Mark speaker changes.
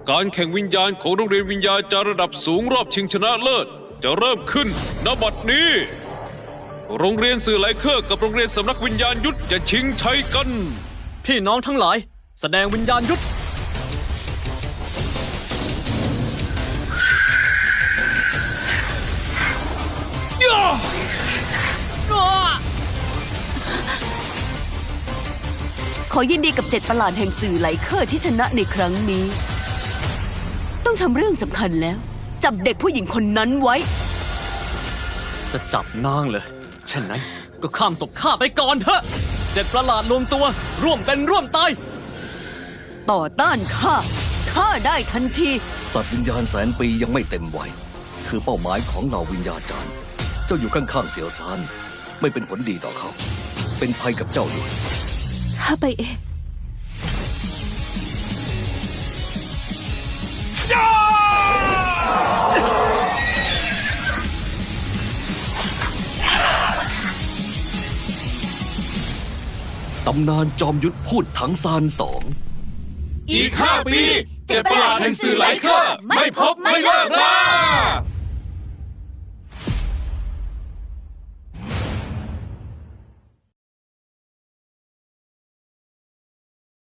Speaker 1: การแข่งวิญญาณของโรงเรียนวิญญาจารย์ระดับสูงรอบชิงชนะเลิศจะเริ่มขึ้นณบัดนี้ โรงเรียนสื่อไลเคอร์กับโรงเรียนสำนักวิญญาณยุทธจะชิงชัยกัน
Speaker 2: พี่น้องทั้งหลายแสดงวิญญาณยุทธ
Speaker 3: ขอยินดีกับ7ประหลาดแห่งสื่อไลเคอร์ที่ชนะในครั้งนี้ ต้องทำเรื่องสำคัญแล้ว จับเด็กผู้หญิงคนนั้นไว้
Speaker 2: จะจับนางเลยเช่นนั้นก็ข้ามศพข้าไปก่อนเถอะ7ประหลาดรวมตัวร่วมเป็นร่วมตาย
Speaker 3: ต่อต้านข้าได้ทันที
Speaker 4: สัตว์วิญญาณแสนปียังไม่เต็มวัยคือเป้าหมายของเหล่าวิญญาจารย์เจ้าอยู่ข้างๆเสี่ยวซานไม่เป็นผลดีต่อเขาเป็นภัยกับเจ้าด้วย
Speaker 3: ข้าไปเอง
Speaker 4: ตำนานจอมยุทธพูดถังซาน
Speaker 1: อีก5 ปี7ประหลาดแห่งสื่อไลเคอร์ไม่พบไม่เลิกรา